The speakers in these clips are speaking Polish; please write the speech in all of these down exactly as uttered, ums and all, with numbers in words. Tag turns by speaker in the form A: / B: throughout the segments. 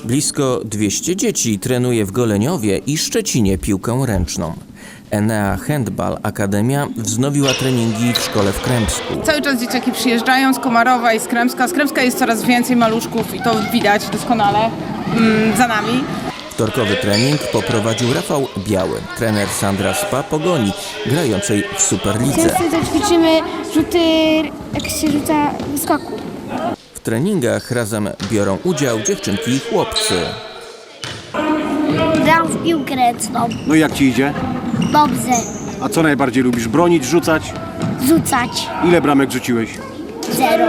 A: Blisko dwieście dzieci trenuje w Goleniowie i Szczecinie piłkę ręczną. Enea Handball Akademia wznowiła treningi w szkole w Krępsku.
B: Cały czas dzieciaki przyjeżdżają z Komarowa i z Krępska. Z Krępska jest coraz więcej maluszków i to widać doskonale mm, za nami.
A: Wtorkowy trening poprowadził Rafał Biały, trener Sandra Spa Pogoni, grającej w Superlidze.
C: Często ćwiczymy rzuty, jak się rzuca w skoku.
A: W treningach razem biorą udział dziewczynki i chłopcy.
C: Gram w piłkę ręczną.
D: No i jak ci idzie?
C: Dobrze.
D: A co najbardziej lubisz? Bronić, rzucać?
C: Rzucać.
D: Ile bramek rzuciłeś?
C: Zero.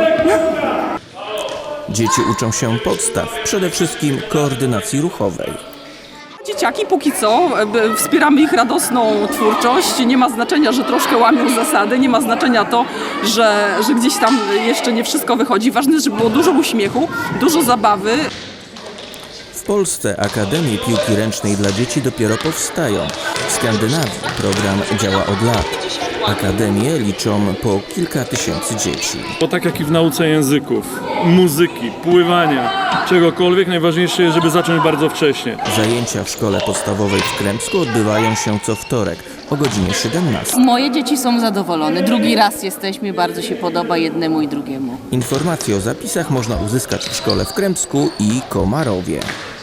A: Dzieci uczą się podstaw, przede wszystkim koordynacji ruchowej.
E: Dzieciaki póki co, wspieramy ich radosną twórczość. Nie ma znaczenia, że troszkę łamią zasady, nie ma znaczenia to, że, że gdzieś tam jeszcze nie wszystko wychodzi. Ważne jest, żeby było dużo uśmiechu, dużo zabawy.
A: W Polsce akademie piłki ręcznej dla dzieci dopiero powstają. W Skandynawii program działa od lat. Akademie liczą po kilka tysięcy dzieci.
F: Bo tak jak i w nauce języków, muzyki, pływania, czegokolwiek, najważniejsze jest, żeby zacząć bardzo wcześnie.
A: Zajęcia w szkole podstawowej w Krępsku odbywają się co wtorek o godzinie siedemnastej.
G: Moje dzieci są zadowolone. Drugi raz jesteśmy, bardzo się podoba jednemu i drugiemu.
A: Informacje o zapisach można uzyskać w szkole w Krępsku i Komarowie.